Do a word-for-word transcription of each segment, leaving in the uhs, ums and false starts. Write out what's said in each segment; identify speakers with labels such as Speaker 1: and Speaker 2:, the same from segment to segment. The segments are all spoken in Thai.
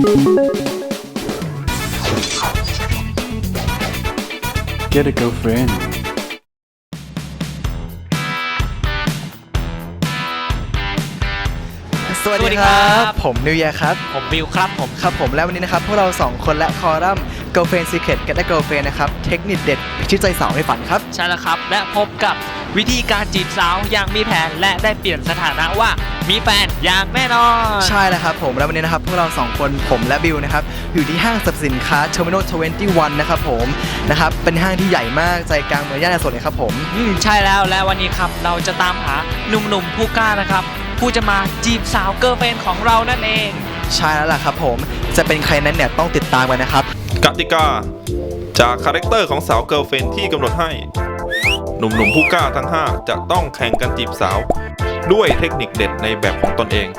Speaker 1: Get a girlfriend
Speaker 2: สวัสดีครับผมนิวเยียร์ครับ
Speaker 3: ผมบิวครับผม
Speaker 2: ครับผมและวันนี้นะครับพวกเราสองคนและคอรัมน์ Girlfriend Secret กับ Girlfriend นะครับเทคนิคเด็ดพิชิตใจสาวในฝันครับ
Speaker 3: ใช่แล้วครับและพบกับวิธีการจีบสาวอย่างมีแผนและได้เปลี่ยนสถานะว่ามีแฟนอย่างแน่นอน
Speaker 2: ใช่แล้วครับผมและวันนี้นะครับพวกเราสองคนผมและบิวนะครับอยู่ที่ห้างสรรพสินค้า Terminal ยี่สิบเอ็ดนะครับผมนะครับเป็นห้างที่ใหญ่มากใจกลางเมืองย่านอโศกเลยครับผม
Speaker 3: อืมใช่แล้วและวันนี้ครับเราจะตามหาหนุ่มๆผู้กล้านะครับผู้จะมาจีบสาวเกิร์ลเฟรนด์ของเรานั่นเอง
Speaker 2: ใช่แล้วล่ะครับผมจะเป็นใครนั้นเนี่ยต้องติดตามกันนะครับ
Speaker 4: กติกาจากคาแรคเตอร์ของสาวเกิร์ลเฟรนด์ที่กำหนดให้หนุ่มๆผู้กล้าทั้งห้าจะต้องแข่งกันจีบสาวด้วยเทคนิคเด็ดในแบบของตนเอง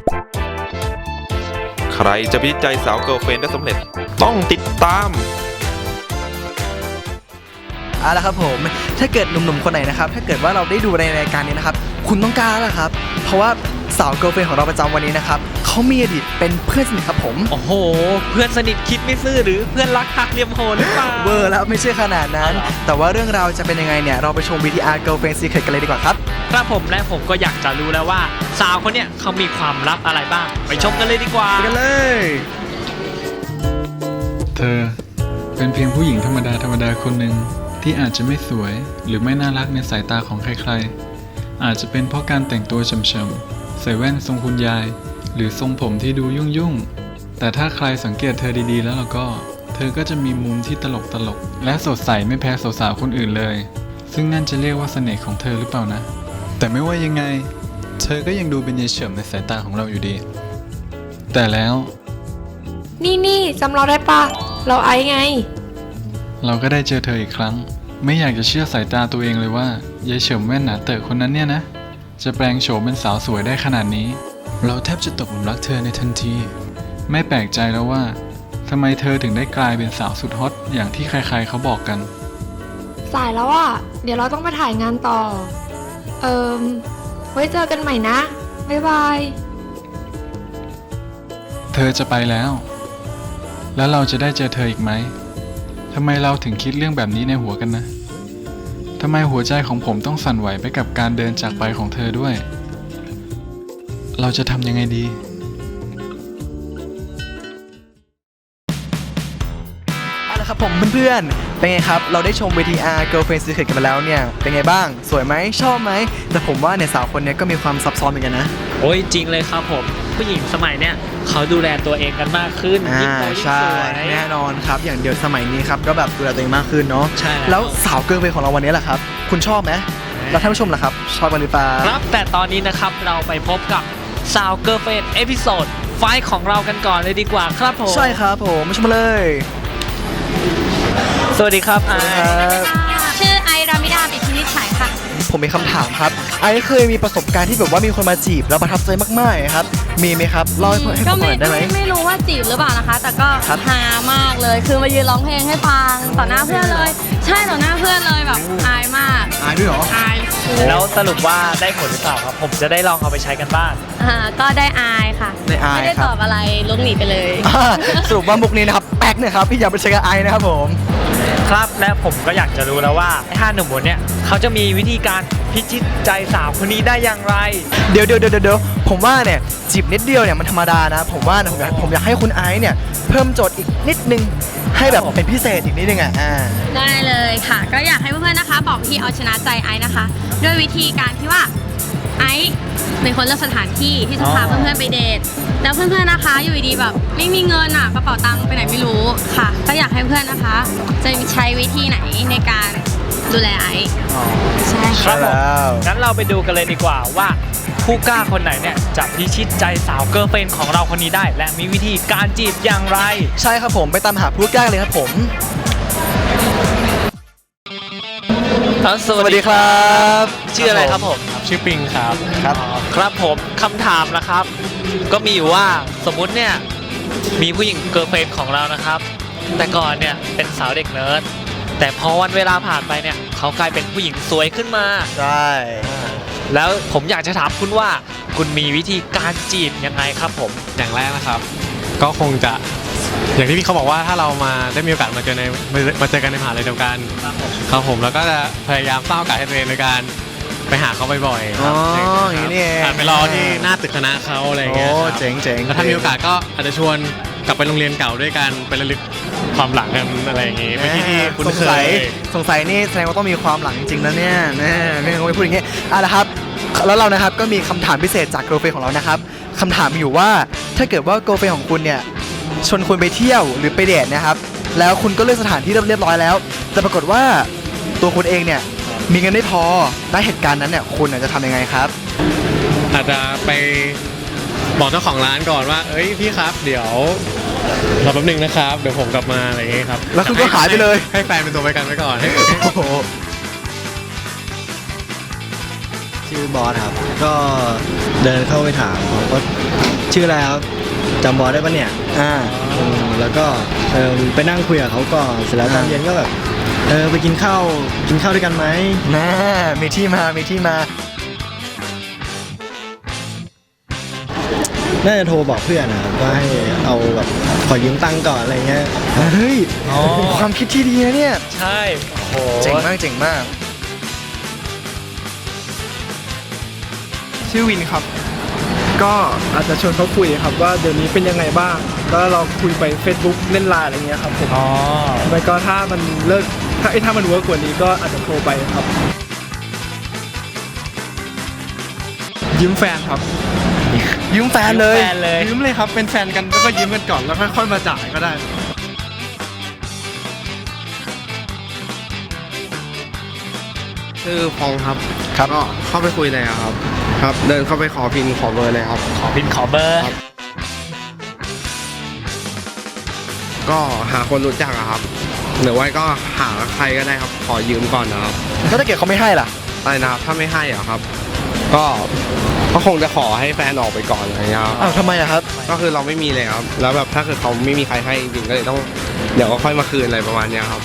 Speaker 4: ใครจะพิจิตใจสาวเกิร์ลเฟรนด์ได้สำเร็จต้องติดตาม
Speaker 2: เอาละครับผมถ้าเกิดหนุ่มๆคนไหนนะครับถ้าเกิดว่าเราได้ดูในรายการนี้นะครับคุณต้องกล้าแล้วครับเพราะว่าสาวเกิร์ลเฟรนด์ของเราประจำวันนี้นะครับเขามีอดีตเป็นเพื่อนสนิทครับผม
Speaker 3: โอ้โหเพื่อนสนิทคิดไม่ซื่อหรือเพื่อนรักหักเหลี่ยมโหดหรือเปล่า
Speaker 2: เบอร์แล้วไม่ใช่ขนาดนั้นแต่ว่าเรื่องราวจะเป็นยังไงเนี่ยเราไปชม วี ที อาร์ Girlfriend Secret กันเลยดีกว่าครับ
Speaker 3: ครับผมและผมก็อยากจะรู้แล้วว่าสาวคนเนี้ยเขามีความลับอะไรบ้างไปชมกันเลยดีกว่า
Speaker 2: ไปกันเลย
Speaker 1: เธอเป็นเพียงผู้หญิงธรรมดาธรรมดาคนหนึ่งที่อาจจะไม่สวยหรือไม่น่ารักในสายตาของใครๆอาจจะเป็นเพราะการแต่งตัวเฉมๆใส่แว่นทรงคุณยายหรือทรงผมที่ดูยุ่งๆแต่ถ้าใครสังเกตเธอดีๆแล้วเราก็เธอก็จะมีมุมที่ตลกๆและสดใสไม่แพ้สาวๆคนอื่นเลยซึ่งนั่นจะเรียกว่าเสน่ห์ของเธอหรือเปล่านะแต่ไม่ว่ายังไงเธอก็ยังดูเป็นยายเฉิมในสายตาของเราอยู่ดีแต่แล้ว
Speaker 5: นี่นี่จำเราได้ปะเราไอไง
Speaker 1: เราก็ได้เจอเธออีกครั้งไม่อยากจะเชื่อสายตาตัวเองเลยว่ายายเฉิมแว่นหนาเต๋อคนนั้นเนี่ยนะจะแปลงโฉมเป็นสาวสวยได้ขนาดนี้เราแทบจะตกหลุมรักเธอในทันทีไม่แปลกใจแล้วว่าทำไมเธอถึงได้กลายเป็นสาวสุดฮอตอย่างที่ใครๆเขาบอกกัน
Speaker 5: สายแล้วอ่ะเดี๋ยวเราต้องไปถ่ายงานต่อเอิมไว้เจอกันใหม่นะบ๊ายบาย
Speaker 1: เธอจะไปแล้วแล้วเราจะได้เจอเธออีกไหมทำไมเราถึงคิดเรื่องแบบนี้ในหัวกันนะทำไมหัวใจของผมต้องสั่นไหวไปกับการเดินจากไปของเธอด้วยเราจะทำยังไงดี
Speaker 2: เอาละครับผมเพื่อนๆเป็นไงครับเราได้ชม วี ที อาร์ Girlfriend Secret กันมาแล้วเนี่ยเป็นไงบ้างสวยไหมชอบไหมแต่ผมว่าเนี่ยสาวคนนี้ก็มีความซับซ้อนเหมือนกันนะ
Speaker 3: โอ้ยจริงเลยครับผมผู้หญิงสมัยเนี้ยเขาดูแลตัวเองกันมากขึ้นยิ่งโตยิ่งสวย
Speaker 2: แน่นอนครับอย่างเดียวสมัยนี้ครับก็แบบดูแลตัวเองมากขึ้นเนาะ
Speaker 3: ใช่
Speaker 2: แล้วสาวเกิร์ลเฟรนด์ของเราวันนี้แหละครับคุณชอบไหมแล้วท่านผู้ชมล่ะครับชอบกันหรือเปล่า
Speaker 3: ครับแต่ตอนนี้นะครับเราไปพบกับสาวเกิร์ลเฟรนด์เอพิโซดไฟท์ของเรากันก่อนเลยดีกว่าครับผม
Speaker 2: ใช่ครับผมมาชมมาเลย
Speaker 3: สวัสดีครับไอ
Speaker 5: ชื่อไอรามิดาบิพินิจฉัยค่ะ
Speaker 2: ผมมีคำถามครับไอเคยมีประสบการณ์ที่แบบว่ามีคนมาจีบแล้วประทับใจมากๆครับมีไหมครับเล่าให้ผมฟังได้ไหม
Speaker 5: ไม่รู้ว่าจีบหรือเปล่านะคะแต่ก็ฮามากเลยคือมายืนร้องเพลงให้ฟังต่อหน้าเพื่อนเลยใช่ต่อหน้าเพื่อนเลยแบบอายมาก
Speaker 2: อายด้วยเหรอ
Speaker 5: อาย
Speaker 3: แล้วสรุปว่าได้ผลหรือเปล่าครับผมจะได้ลองเอาไปใช้กันบ้าง
Speaker 5: อ่าก็ได้อายค่ะ
Speaker 2: ได้อาย
Speaker 5: ไม่ได้ตอบอะไรลุกหนีไปเลย
Speaker 2: สรุปว่ามุกนี้นะครับแป๊กเนี่ยครับพี่อย่าไปใช้กับไอนะครับผม
Speaker 3: ครับและผมก็อยากจะรู้แล้วว่าห้าหนุ่มคนเนี้ยเขาจะมีวิธีการพิชิตใจสาวคนนี้ได้อย่างไร
Speaker 2: เดี๋ยวเดี๋ยวเดี๋ยวเดี๋ยวผมว่าเนี่ยจีบนิดเดียวเนี่ยมันธรรมดานะผมว่าผมอยากผมอยากให้คุณไอซ์เนี่ยเพิ่มโจทย์อีกนิดนึงให้แบบเป็นพิเศษอีกนิดนึงอ่ะ
Speaker 5: ได้เลยค่ะก็อยากให้เพื่อนๆนะคะบอกวิธีเอาชนะใจไอซ์นะคะด้วยวิธีการที่ว่าไอซ์เป็นคนเลือกสถานที่ที่จะพาเพื่อนๆไปเดทแล้วเพื่อนๆนะคะอยู่ดีแบบไม่มีเงินอ่ะกระเป๋าตังค์ไปไหนไม่รู้ค่ะก็อยากให้เพื่อนนะคะจะใช้วิธีไหนในการดูแลไอซ์
Speaker 2: ใช่
Speaker 3: ครับผมงั้นเราไปดูกันเลยดีกว่าว่าผู้กล้าคนไหนเนี่ยจะพิชิตใจสาวเกิร์ลเฟรนด์ของเราคนนี้ได้และมีวิธีการจีบอย่างไร
Speaker 2: ใช่ครับผมไปตามหาผู้กล้าเลยครับผม
Speaker 3: สวัสดีครับชื่ออะไรครับผม
Speaker 1: ชื่อปิงครับ
Speaker 2: ครับ
Speaker 3: ครับผมคำถามนะครับก็มีอยู่ว่าสมมุติเนี่ยมีผู้หญิงเกิร์ลเฟรนด์ของเรานะครับแต่ก่อนเนี่ยเป็นสาวเด็กเนิร์ดแต่พอวันเวลาผ่านไปเนี่ยเขากลายเป็นผู้หญิงสวยขึ้นมา
Speaker 2: ใช่
Speaker 3: แล้วผมอยากจะถามคุณว่าคุณมีวิธีการจีบยังไงครับผม
Speaker 1: อย่างแรกนะครับ
Speaker 6: ก็คงจะอย่างที่พี่เขาบอกว่าถ้าเรามาได้มีโอกาสมาเจอในมาเจอกันในมหาลัยเดียวกันครับผมแล้วก็จะพยายามสร้างโอกาสให้ตัวเองในการไปหาเขาบ่อยๆค
Speaker 2: อ๋
Speaker 6: รั
Speaker 2: อบ อย่างนี้นี่เอง
Speaker 6: อาจไปรอที่หน้าตึกคณะเขาอะไรอย่าง
Speaker 2: โอ้
Speaker 6: เงี้ยครับ
Speaker 2: เจ๋งเจ๋ง
Speaker 6: แล้วถ้ามีโอกาสก็อาจจะชวนกลับไปโรงเรียนเก่าด้วยกันไประลึกความหลังกันอะไรอย่างงี้ไปที่ที่คุ้น
Speaker 2: สง
Speaker 6: เค
Speaker 2: สัย
Speaker 6: ย
Speaker 2: สงสัยนี่แสดงว่าต้องมีความหลังจริงๆนะเนี่ยแน่ไม่งั้นคงไม่พูดอย่างงี้อ่ะนะครับ แล้วเรานะครับก็มีคำถามพิเศษจากโกลเฟของเรานะครับคำถามมีอยู่ว่าถ้าเกิดว่าโกลเฟของคุณเนี่ยชวนคุณไปเที่ยวหรือไปเดทนะครับแล้วคุณก็เลือกสถานที่เรียบร้อยแล้วแต่ปรากฏว่าตัวคุณเองเนี่ยมีเงินไม่พอณเหตุการณ์นั้นเนี่ยคุณอาจจะทำยังไงครับ
Speaker 6: อาจจะไปบอกเจ้าของร้านก่อนว่า เอ้ยพี่ครับ เดี๋ยวรอแป๊บนึงนะครับ เดี๋ยวผมกลับมาอะไรอย่างเงี้ยครับ
Speaker 2: แล้วคุณก็หายไปเลย
Speaker 6: ให้ให้แฟนเป็นตัวประกันไว้ก่อนให้
Speaker 2: โอ้โห
Speaker 7: ชื่อบอสครับ ก็เดินเข้าไปถามเขาก็ชื่ออะไรครับจำบอสได้ปะเนี่ย
Speaker 2: อ่า
Speaker 7: อืมแล้วก็เออไปนั่งคุยกับเขาก่อนเสร็จแล้วตอน
Speaker 2: อ่า
Speaker 7: เย็นก็แบบเออไปกินข้าวกินข้าวด้วยกันไหม
Speaker 2: แน่มีที่มามีที่มา
Speaker 7: น่าจะโทรบอกเพื่อนนะครับว่าให้เอาแบบขอยืมตังค์ก่อนอะไรเงี้ย
Speaker 2: เฮ้ย
Speaker 3: อ๋อ
Speaker 2: ความคิดที่ดีนะเนี่ย
Speaker 3: ใช่โอ้โห
Speaker 2: เจ๋งมากเจ๋งมาก
Speaker 8: ชื่อวินครับ ก็อาจจะชวนเขาคุยครับว่าเดี๋ยวนี้เป็นยังไงบ้าง แล้วเราคุยไป Facebook เล่นไลน์อะไรเงี้ยครับผม
Speaker 3: อ๋อ
Speaker 8: แล้วก็ถ้ามันเลิกถ้าไอ้ถ้ามันเวิร์กกว่านี้ก็อาจจะโทรไปครับ ยืมแฟนครับ
Speaker 2: ยืมแฟนเลย
Speaker 3: แฟนเลย
Speaker 8: ยืมเลยครับ เป็นแฟนกันแล้วก็ยืมกันก่อนแล้วค่อยๆมาจ่ายก็ได้
Speaker 9: ชื่อฟองครับ
Speaker 2: ครับ
Speaker 9: ก็เข้าไปคุยเลยอะครับ ครับ เดินเข้าไปขอพินขอเบอร์เลยครับ
Speaker 3: ขอพินขอเบอร์
Speaker 9: ก็หาคนรู้จักอะครับ หรือว่าก็หาใครก็ได้ครับ ขอยืมก่อนนะครับ
Speaker 2: แล้วถ้าเกิดเขาไม่ให้ล่ะ
Speaker 9: อะไรนะครับ ถ้าไม่ให้อะครับ ก็ก็คงจะขอให้แฟนออกไปก่อนอะไรเงี้ยครับ
Speaker 2: อ้าวทำไมอะครับ
Speaker 9: ก็คือเราไม่มีเลยครับ แล้วแบบถ้าเกิดเขาไม่มีใครให้จริงๆก็เลยต้องเดี๋ยวก็ค่อยมาคืนอะไรประมาณเนี้ยครับ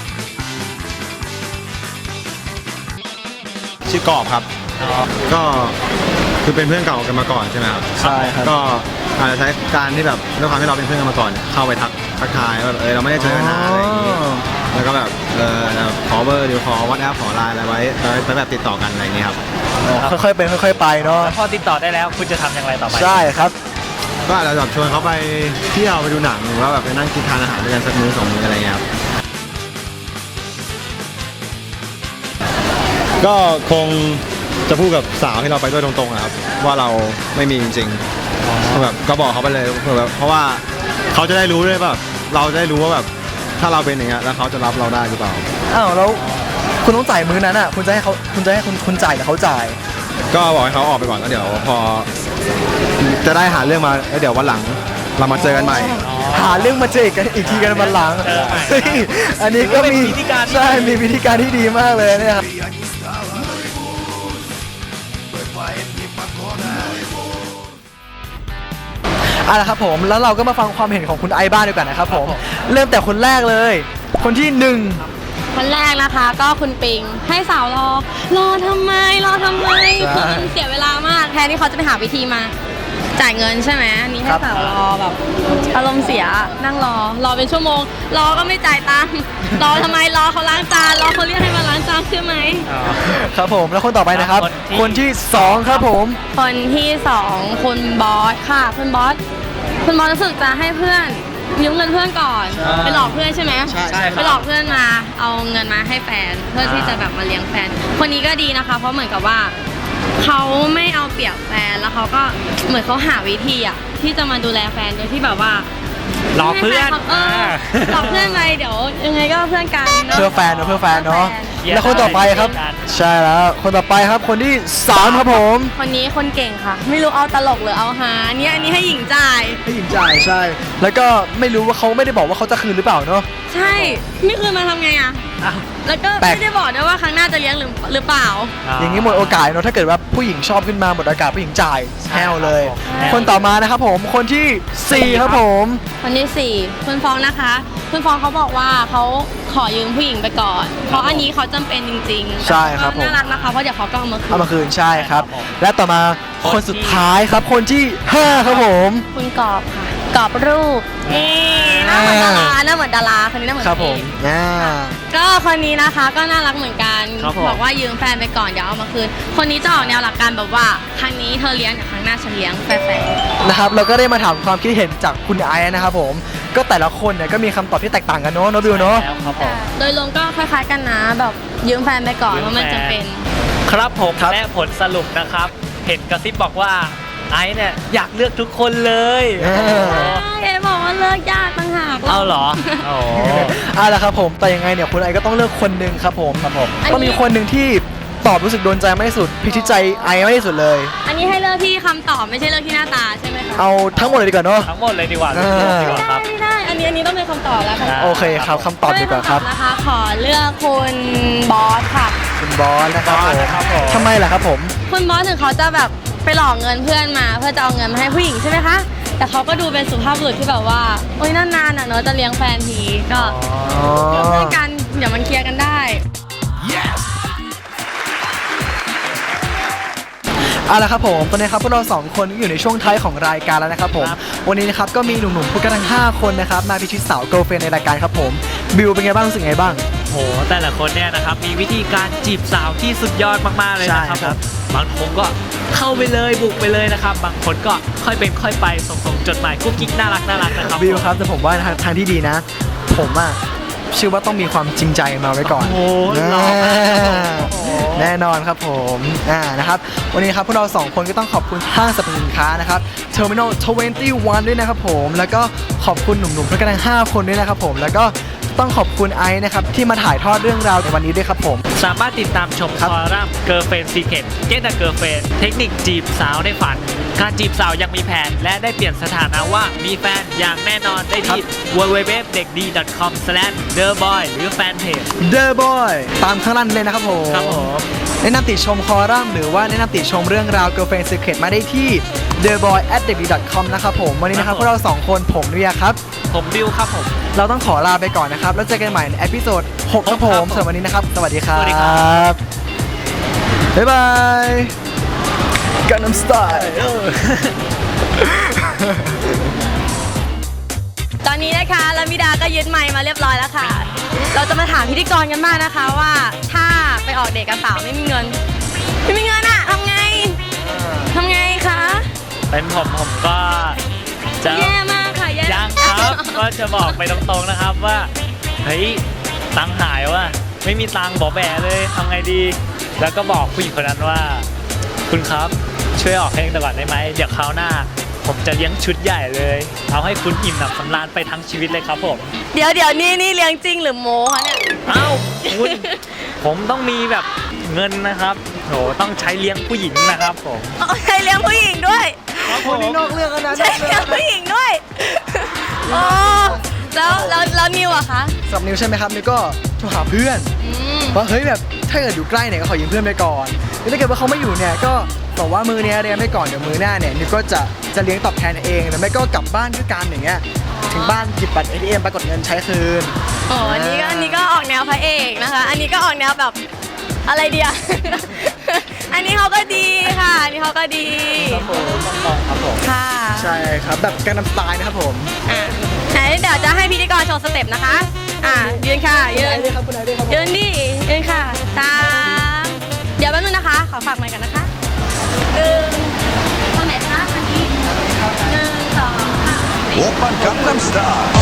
Speaker 10: ชื่อกอบครับ ก็คือเป็นเพื่อนเก่ากันมาก่อนใช่ไหมครับ
Speaker 2: ใช่ครับ
Speaker 10: ก็อาจจะใช้การที่แบบด้วยความที่เราเป็นเพื่อนกันมาก่อน เข้าไปทักทักทายว่าแบบเออเราไม่ได้เจอกันนานอะไรอย่างงี้แล้วก็แบบเออขอเบอร์หรือขอวอทแอปขอไลน์อะไรไว้ไว้แบบติดต่อกันอะไรอย่างงี้ครับ
Speaker 2: ค่อยๆเป็นค่อยๆไปเนาะ
Speaker 3: แล้วพอติดต่อได้แล้วคุณจะทำอย่างไรต่อไป
Speaker 2: ใช่ครับ
Speaker 10: ก็อาจจะแบบชวนเขาไปเที่ยวไปดูหนังหรือว่าแบบไปนั่งกินทานอาหารด้วยกันสักมื้อสองมื้ออะไรเงี้ยครับ ก็คงจะพูดกับสาวที่เราไปด้วยตรงๆนะครับว่าเราไม่มีจริงๆแบบก็บอกเขาไปเลยแบบเพราะว่าเขาจะได้รู้ด้วยแบบเราจะได้รู้ว่าแบบถ้าเราเป็นอย่างเงี้ยแล้วเขาจะรับเราได้หรือเปล่า
Speaker 2: อ้าวแล้วคุณต้องจ่ายมื้อนั้นอ่ะ คุณจะให้เขาคุณจะให้คุณคุณจ่ายหรือเขาจ่าย
Speaker 10: ก็บอกให้เขาออกไปก่อนแล้วเดี๋ยวพอจะได้หาเรื่องมาแล้วเดี๋ยววันหลังเรามาเจอกันใหม่
Speaker 2: หาเรื่องมาเจอกันอีกทีกันวันหลัง
Speaker 3: เจอใหม่นะ
Speaker 2: เฮ้ยอันนี้ก็มี
Speaker 3: เป็นวิธีการที่
Speaker 2: ใช่มีวิธีการที่ดีมากเลยเนี่ยครับเอาละครับผมแล้วเราก็มาฟังความเห็นของคุณไอซ์บ้างดีกว่านะครับผมเริ่มแต่คนแรกเลย คนที่หนึ่ง
Speaker 5: คนแรกนะคะก็คุณปิงให้สาวรอ รอทำไมรอทำไม
Speaker 2: ใช่
Speaker 5: คือมันเสียเวลามากแทนที่เขาจะไปหาวิธีมาจ่ายเงินใช่ไหมอันนี้ให้
Speaker 2: ครับ
Speaker 5: สาวรอแบบอารมณ์เสียนั่งรอ รอเป็นชั่วโมง รอก็ไม่จ่ายตังค์รอทำไมรอเขาล้างจานรอเขาเรียกให้มาล้างจานใช่ไหม
Speaker 2: ครับผมแล้วคนต่อไปนะครับ
Speaker 3: คนที่
Speaker 2: คนที่สองครับผม
Speaker 5: คนที่สองคุณบอสค่ะคุณบอสคุณบอสรู้สึกจะให้เพื่อนยืมเงินเพื่อนก่อนไปหลอกเพื่อนใช่ไหม
Speaker 2: ใช่ใช่ครับ
Speaker 5: ไปหลอกเพื่อนมาเอาเงินมาให้แฟนเพื่อที่จะแบบมาเลี้ยงแฟน คนนี้ก็ดีนะคะ เพราะเหมือนกับว่าเขาไม่เอาเปรียบแฟนแล้วเขาก็เหมือนเขาหาวิธีอ่ะที่จะมาดูแลแฟนโดยที่แบบว่า
Speaker 3: หลอกเพื่อน
Speaker 5: ไม่ให้แฟขาเออหลอกเพื่อนไปเดี๋ยวยังไงก็เพื่อนกันเนาะ
Speaker 2: เพื่อแฟนเนอะเพื่อแฟนเนาะ
Speaker 3: เยี่ยม
Speaker 2: แล้วคนต่อไปครับ
Speaker 3: ได้
Speaker 2: ใช่แล้วคนต่อไปครับคนที่สามครับผม
Speaker 5: คนนี้คนเก่งค่ะ ไม่รู้เอาตลกหรือเอาฮาอันนี้อันนี้ให้หญิงจ่าย
Speaker 2: ให้หญิงจ่ายใช่ แล้วก็ไม่รู้ว่าเขาไม่ได้บอกว่าเขาจะคืนหรือเปล่าเนาะ
Speaker 5: ใช่ไม่คืนมาทำไงอ่ะแล้วก็
Speaker 2: แปลก
Speaker 5: ไม่ได้บอกด้วยว่าครั้งหน้าจะเลี้ยงหรือหรือเปล่า
Speaker 2: อย่างนี้หมดโอกาสเนาะถ้าเกิดว่าผู้หญิงชอบขึ้นมาหมดโอกาสผู้หญิงจ่ายแฮวเลย
Speaker 5: ใช่
Speaker 2: คนต่อมานะครับผมคนที่สี่ครับผม
Speaker 5: คนที่สี่คุณฟองนะคะ คุณฟองเขาบอกว่าเขาขอยืมผู้หญิงไปก่อน เพราะอันนี้เขาจำเป็นจริงๆ
Speaker 2: ใช่ครับผม
Speaker 5: น่ารักนะคะเพราะเดี๋ยวเขาก็เอามาคื
Speaker 2: เอา
Speaker 5: น
Speaker 2: มาคืนใช่ครับ และต่อมาคนสุดท้ายครับคนที่ห้าครับผม
Speaker 5: คุณกอบค่ะกรอบรูปนี่หน้าเหมือนดาราหน้าเหมือนดาราคนนี้หน้าเหมือน
Speaker 2: ครับผม
Speaker 5: เอก
Speaker 2: อ่า
Speaker 5: ก็คนนี้นะคะก็น่ารักเหมือนกัน
Speaker 3: ครับผม
Speaker 5: บอกว่ายืมแฟนไปก่อนเดี๋ยวเอามาคืนคนนี้จะออกแนวหลักการแบบว่าครั้งนี้เธอเลี้ยงเดี๋ยวครั้งหน้าฉันเลี้ยงแฟร์ๆ
Speaker 2: นะครับเราก็ได้มาถามความคิดเห็นจากคุณไอซ์นะครับผมก็แต่ละคนเนี่ยก็มีคำตอบที่แตกต่างกันเนาะโนบิวเนาะ
Speaker 3: แล้วครับผม
Speaker 5: โดยรวมก็คล้ายๆกันนะแบบยืมแฟนไปก่อนเพราะมันจำเป็น
Speaker 3: ครับผม
Speaker 2: ครับ
Speaker 3: และผลสรุปนะครับ เห็นกระซิบบอกว่าไอซ์เนี่ยอยากเลือกทุกคนเลย
Speaker 2: เออ
Speaker 5: เอ๋บอกว่าเลิกยากต่างหาก
Speaker 3: เอาเหรอโอ้
Speaker 2: เอาละครับผมแต่ยังไงเนี่ยคุณไอซ์ก็ต้องเลือกคนหนึ่งครับผมครับผมต้องมีคนหนึ่งที่ตอบรู้สึกโดนใจมากที่สุดพิชิตใจไอซ์มากที่สุดเลย
Speaker 5: อันนี้ให้เลือกที่คำตอบไม่ใช่เลือกที่หน้าตาใช่ไหมคะ
Speaker 2: เอาทั้งหมดเลยดีกว่าเนาะ
Speaker 3: ทั้งหมดเลยดีกว่า
Speaker 2: เออ
Speaker 3: ดีกว่าครับ
Speaker 5: ไม่ได้อันนี้อันนี้ต้องเป็นคำตอบแล้วค่ะ
Speaker 2: โอเคครับคำตอบดีกว่าครับ
Speaker 5: นะคะ ขอเลือกคุณบอสค่ะ
Speaker 2: คุณบอสนะครับ
Speaker 3: บ
Speaker 2: ผ
Speaker 3: อส
Speaker 2: ม
Speaker 3: นะครับผม
Speaker 2: ทำไมล่ะครับผม
Speaker 5: คุณบอสถึงเขาจะแบบไปหลอกเงินเพื่อนมา เพื่อจะเอาเงินมาให้ผู้หญิงใช่ไหมคะแต่เขาก็ดูเป็นสุภาพบุรุษที่แบบว่าโอ๊ยนานๆอ่ะเนอะจะเลี้ยงแฟนทีก็
Speaker 2: อ๋อ
Speaker 5: เพื่อนกันเดี๋ยวมันเคลียร์กันได้
Speaker 2: เอาละครับผมตอนนี้ครับพวกเราสองคนก็อยู่ในช่วงท้ายของรายการแล้วนะครับผม
Speaker 3: ครับ
Speaker 2: วันนี้นะครับก็มีหนุ่มๆพูดกันทั้งห้าคนนะครับมาพิชิตสาวเกิร์ลเฟรนด์ในรายการครับผมบิวเป็นไงบ้างรู้สึกไงบ้าง
Speaker 3: โหแต่ละคนเนี่ยนะครับมีวิธีการจีบสาวที่สุดยอดมากๆเลยนะครับ
Speaker 2: ใช่ครับ
Speaker 3: ผมบางคนก็เข้าไปเลยบุกไปเลยนะครับ บางคนก็ค่อยเป็นค่อยไปส่งส่งจดหมายกุ๊กกิ๊กน่ารักน่ารักนะครับ
Speaker 2: บิวครับแต่ผมว่าทางทางที่ดีนะ ผมอ่ะเชื่อว่าต้องมีความจริงใจมาไว้ก่อน
Speaker 3: โอ้โหหล่อมากครับผม
Speaker 2: แน่นอนครับผมอ่านะครับวันนี้ครับพวกเราสองคนก็ต้องขอบคุณห้างสรรพสินค้านะครับ Terminal ยี่สิบเอ็ด ด้วยนะครับผมแล้วก็ขอบคุณหนุ่มๆเพื่อนกันทั้งห้าคนด้วยนะครับผมแล้วก็ต้องขอบคุณไอซ์นะครับที่มาถ่ายทอดเรื่องราวในวันนี้ด้วยครับผม
Speaker 3: สามารถติดตามชม
Speaker 2: ครับ
Speaker 3: คอลัมน์ Girlfriend Secret Get a Girlfriend เทคนิคจีบสาวในฝัน การจีบสาวยังมีแผน และได้เปลี่ยนสถานะว่ามีแฟนอย่างแน่นอนได้ที่ ดับเบิลยู ดับเบิลยู ดับเบิลยู ดอท เด็กดี ดอท คอม สแลช เดอะบอย หรือแฟนเพจ
Speaker 2: The Boy ตามข้างล่างนี้เลยนะครับผม
Speaker 3: ครับผม
Speaker 2: แนะนำติชมคอลัมน์หรือว่าแนะนำติชมเรื่องราว Girlfriend Secret มาได้ที่ the boy at เด็กดี ดอท คอม นะครับผมวันนี้นะครับพวกเราสองคนผมเรียครับ
Speaker 3: ผมบิวครับผม
Speaker 2: เราต้องขอลาไปก่อนนะครับ แล้วเจอกันใหม่ในเอพิโซดหกครับผม
Speaker 3: ครับผม
Speaker 2: สำหรับวันนี้นะครับ สวัสดีครั
Speaker 3: สวัสดีครับ
Speaker 2: บ บ๊ายบายกันน้ำสไตล์
Speaker 5: ตอนนี้นะคะลามิดาก็ยึดไมค์มาเรียบร้อยแล้วค่ะ เราจะมาถามพิธีกรกันบ้างนะคะว่าถ้าไปออกเดทกับสาวไม่มีเงิน ไม่มีเงินอะทำไงทำไงคะ
Speaker 3: เป็นผมผมก็จะ
Speaker 5: แย่มากค่ะแย่
Speaker 3: ยังครับ ก็จะบอกไปตรงๆนะครับว่าเฮ้ยตังค์หายว่ะไม่มีตังค์บอกแบเลยทำไงดี แล้วก็บอกผู้หญิงคนนั้นว่า คุณครับช่วยออกเพลงแต่ก่อนได้ไหมเดี๋ยวคราวหน้า ผมจะเลี้ยงชุดใหญ่เลย เอาให้คุณอิ่มหนำสำราญไปทั้งชีวิตเลยครับผม
Speaker 5: เดี๋ยวเดี๋ยวนี่นี่เลี้ยงจริงหรือโม้คะเนี่ย
Speaker 3: เอ้าคุณ ผมต้องมีแบบเงินนะครับโหต้องใช้เลี้ยงผู้หญิงนะครับผม
Speaker 5: อ๋อใช่เลี้ยงผู้หญิงด้วย
Speaker 3: ครับผม
Speaker 2: นอกเรื่องแล้วนะ
Speaker 5: ใช่เลี้ยงผู้หญิงด้วยโอ้แล้วแล้วแล้วนิวอะคะ
Speaker 2: สำหรับนิวใช่ไหมครับนิวก็โทรหาเพื่อน
Speaker 5: อืม
Speaker 2: ว่าเฮ้ยแบบถ้าเกิดอยู่ใกล้เนี่ยก็ขอยืมเพื่อนไปก่อนแล้วถ้าเกิดว่าเขาไม่อยู่เนี่ยก็บอกว่ามือเนี้ยเรียนไปก่อนเดี๋ยวมือหน้าเนี่ยนิวก็จะจะเลี้ยงตอบแทนเองหรือไม่ก็กลับบ้านด้วยกันอย่างเงี้ยถึงบ้านหยิบบัตร เอ ที เอ็ม ไปกดเงินใช้คืน
Speaker 5: โอ้อันนี้ก็อันนี้ก็ออกแนวพระเอกนะคะ อันนี้ก็ออกแนวแบบอะไรเดีย อันนี้เขาก็ดีค่ะ อันนี้เขาก็ดี
Speaker 2: ครับผมต้องครับผม
Speaker 5: ค่ะ
Speaker 2: ใช่ครับแบบการนำสไตล์นะครับผม
Speaker 5: อ่ะไหนเดี๋ยวจะให้พิธีกรโชว์สเต็ปนะคะ อ่ะยืนค่ะยืน
Speaker 2: ครับคุณนายด้วยครับผม
Speaker 5: ยืนดิยืนค่ะตามเดี๋ยวแป๊บนึงนะคะ ขอฝากไมค์กันนะคะหนึ่งตรงไหนคะอันนี้หนึ่งสองค่ะ
Speaker 11: 오빤 강남스타일